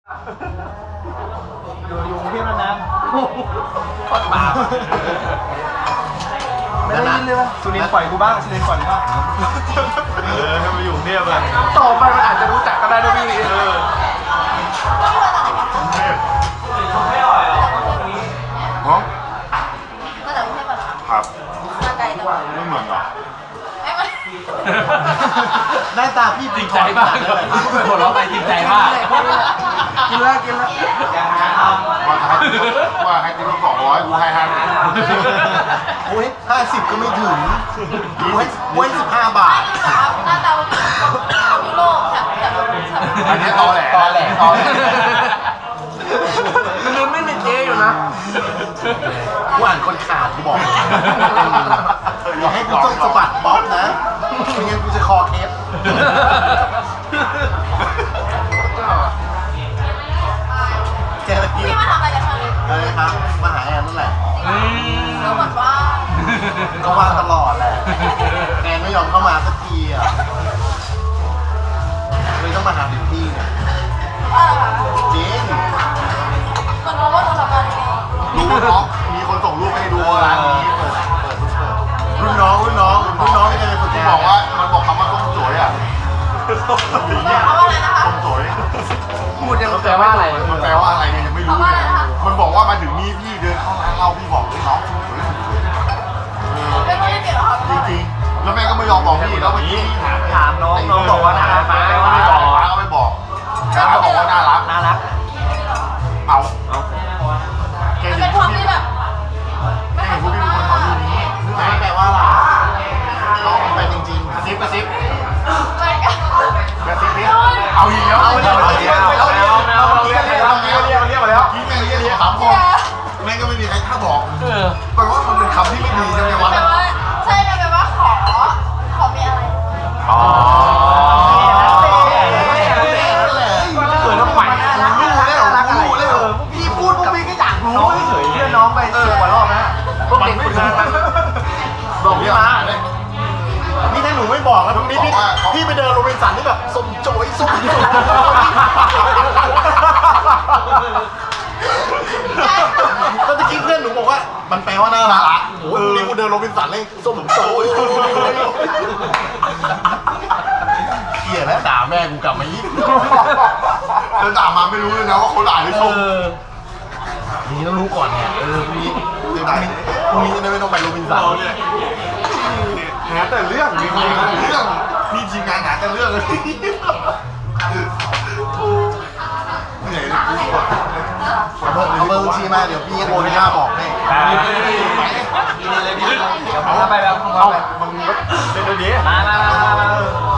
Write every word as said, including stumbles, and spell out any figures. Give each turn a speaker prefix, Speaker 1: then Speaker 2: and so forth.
Speaker 1: อยู่อยู่กรุงเทพนานๆ
Speaker 2: ปอดป่า
Speaker 1: ไม่ได้ยินเลยว่าสุรินทร์ปล่อยกูบ้างสุรินทร์ปล่อยกูบ้าง
Speaker 2: เออให้มาอยู่กรุงเทพเลย
Speaker 1: ต่อไปมันอาจจะรู้จักก็ได้ด้วยพี่เออ
Speaker 2: ไม่อร่อยหรอฮะ
Speaker 3: ก็แต่กรุงเทพอะ
Speaker 2: ครับ
Speaker 3: มาไกลแต่ว่า
Speaker 2: ไม่เหมือนหรอ
Speaker 3: ไม่ไม่
Speaker 1: หน้าตาพี่
Speaker 4: จริงใจมากเลยหัวเราะไปจริงใจมาก
Speaker 1: กินแล้วกินแล้ว
Speaker 2: ว่าให้ว่าให้ติ๊กสองร้อยกูให้ห้าสิบ
Speaker 1: โอ้ยห้าสิบก็ไม่ถึงโอ้ยโอ้ยสิบห้าบาท
Speaker 3: หน้าตาเป็นยุโรปแถบแถบแถบ
Speaker 2: อันนี้ตอแหล
Speaker 1: ตอแหล
Speaker 2: ตอแหล
Speaker 1: มันลืมไม่มีเจ๊อยู่นะกูอ่านคนขาดกูบอกอย่าให้กูต้องสะบัดบ๊อบนะไม่งั้นกูจะคอเคสแกอะไร
Speaker 3: พี่มาทำอะไรกันคะ
Speaker 1: อะไรครับมาหาแอนนั่นแหละ
Speaker 3: ก็เหมือนว่า
Speaker 1: ก็ว่างตลอดแหละแอนไม่ยอมเข้ามาสักทีอ่ะเลยต้องมาหาถึงที่เนี่ย
Speaker 3: ว่าอะไรคะ
Speaker 1: จริง
Speaker 3: คนรู้ว่าเราทำอะไรกัน
Speaker 2: รู้เนาะมีคนส่งรูปให้ดูร้านนี้เปิดเปิดเปิด
Speaker 1: รุ่นน้องรุ่นน้องรุ่นน้องที่จะไปฝึก
Speaker 2: ที่
Speaker 1: งาน
Speaker 2: บอกว่ามันบอกคำว่าส้มสวยอ่ะ
Speaker 3: เขาว่าอะไรนะคะ
Speaker 2: ส้มสวย
Speaker 1: พูดยัง
Speaker 4: แปลว่าอะไร
Speaker 2: มันแปลว่าอะไรเนี่ยยังไม่รู้เลยมันบอกว่ามาถึงนี่พี่เดินเข้าร้านเราพี่บอกเลยน้องสวยสวย
Speaker 3: ไม่ต้องเปลี่ยนหรอก
Speaker 2: จริงๆแล้วแม่ก็ไม่ยอมบอกพี่แล้วเมื่อกี้ถาม
Speaker 4: ถามน้องน้องบอกว่าน่ารัก
Speaker 2: ป้า
Speaker 4: ป้า
Speaker 2: ก็
Speaker 4: ก็
Speaker 2: ไม่
Speaker 4: ไม่
Speaker 2: บบ อ
Speaker 4: อก ก
Speaker 2: ป้าก็ไม่บอกป้าก็บอกว่าน่ารัก
Speaker 4: น่ารัก
Speaker 2: เอา
Speaker 4: เอา
Speaker 2: แก
Speaker 3: มัน
Speaker 2: เห็
Speaker 3: เป็น น
Speaker 2: พ
Speaker 3: คว วาก ม
Speaker 2: พี่
Speaker 3: ที่แบบไม่
Speaker 2: แก
Speaker 3: ค่อ
Speaker 2: เห็
Speaker 3: ย
Speaker 2: นพวกพี่เป็นคนขอรูปนี้
Speaker 1: รู้ไหมแปลว่าอะไรน้องมันไปจริงๆ
Speaker 2: กระซิบกระซิบ
Speaker 3: ไม่กัน
Speaker 2: กระซิบนี่เอาอีกแล้วเอาอีกแล้วเอาอีกแล้วเอาอีกแล้วเอาอีกแล้วเอาอีกแล้วเอาอีกแล้วเอาอีกแล้วกี้แม่งเรียกเรียกถามคนแม่งก็ไม่มีใครกล้าบอก
Speaker 4: เออ
Speaker 2: แปลว่ามันเป็นคำที่ไม่ดีใช่ไหมวะ
Speaker 3: แปลว่าใช่แปลว่าขอขอมีอะไร
Speaker 2: อ๋อ
Speaker 4: เกิดแล้วใหม่
Speaker 1: รู้แล้วรู้แล้วพี่พูดพวกพี่ก็อยากรู้
Speaker 4: น้องเฉยเพื่อนน้องไปเสิร์ฟกว่ารอบนะพวกเด็กฝึกงานมัน
Speaker 1: บอกพี่มานี่ถ้าหนูไม่บอกแล้วพี่พี่พี่ไปเดินโรบินสันที่แบบสมโจยสมโจยแล้วตะกี้เพื่อนหนูบอกว่ามันแปลว่าน่ารักโอ้ยนี่กูเดินโรบินสันเลยสมโจยเขี่ยแล้วด่าแม่กูกลับมายิ่ง
Speaker 2: เดินตามมาไม่รู้เลยนะว่าเขาด่าหรือชม
Speaker 1: นี่ต้องรู้ก่อนเนี่ยเออพรุ่งนี้พรุ่งนี้จะได้ไม่ต้องไปโรบินสัน
Speaker 2: เราเนี่ยหาแต่เรื่องมีเรื่องมีทีมงานหาแต่เรื่องเลยเหนื่อยเลยกู
Speaker 1: เอาเบอร์เอาเบอร์บัญชีมาเดี๋ยวพี่โอนให้ค่าบอกให้
Speaker 4: เอาไปแบบ
Speaker 2: เอามึงก็เล่นดี
Speaker 4: มามามามา